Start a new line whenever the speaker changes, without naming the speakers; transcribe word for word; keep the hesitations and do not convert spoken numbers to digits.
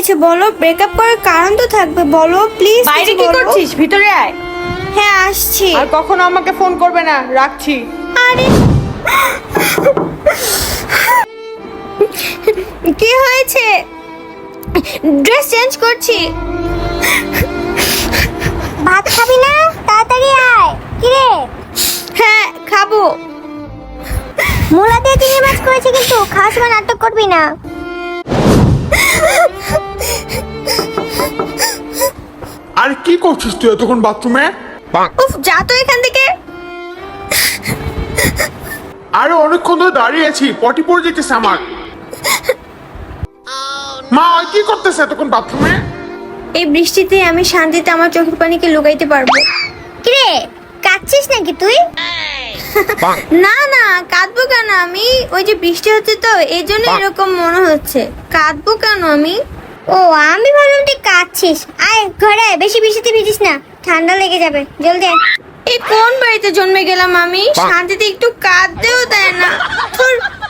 হয়েছে বলো? ব্রেকআপ করার কারণ তো থাকবে, বলো প্লিজ।
বাইরে কি করছিস? ভিতরে আয়।
হ্যাঁ আসছি।
আর কখনো আমাকে ফোন করবে না, রাখছি।
আরে কি হয়েছে? ড্রেস চেঞ্জ করছি।
ভাত খাবি না? তাড়াতাড়ি আয়। কি রে,
হ্যাঁ খাবো।
মুলা দিয়ে চিংড়ি মাছ করেছি, কিন্তু খাওয়ার সময় নাটক করবি না।
আর কি করছিস তুই এতক্ষণ বাথরুমে?
উফ যা তো এখান থেকে।
আরে অনেকক্ষণ ধরে দাঁড়িয়ে আছি, পটি পড়ে যেতেছে আমার। মা ওই কি করতেছে এতক্ষণ বাথরুমে?
এই বৃষ্টিতে আমি শান্তিতে আমার চোখের পানিকে লুকাইতে পারবো।
কি রে, কাঁদছিস নাকি তুই?
না না, কাঁদবো কেন আমি? ওই যে বৃষ্টি হচ্ছে তো এই জন্য এরকম মনে হচ্ছে। কাঁদবো কেন আমি?
ও, আমি ভাবলাম তুই কাঁদছিস। আয় ঘরে আয়, বেশি বৃষ্টিতে ভিজিস না, ঠান্ডা লেগে যাবে। জলদি আয়।
এই কোন বাড়িতে জন্মে গেলাম আমি? শান্তিতে একটু কাঁদতেও দেয় না। ধুর।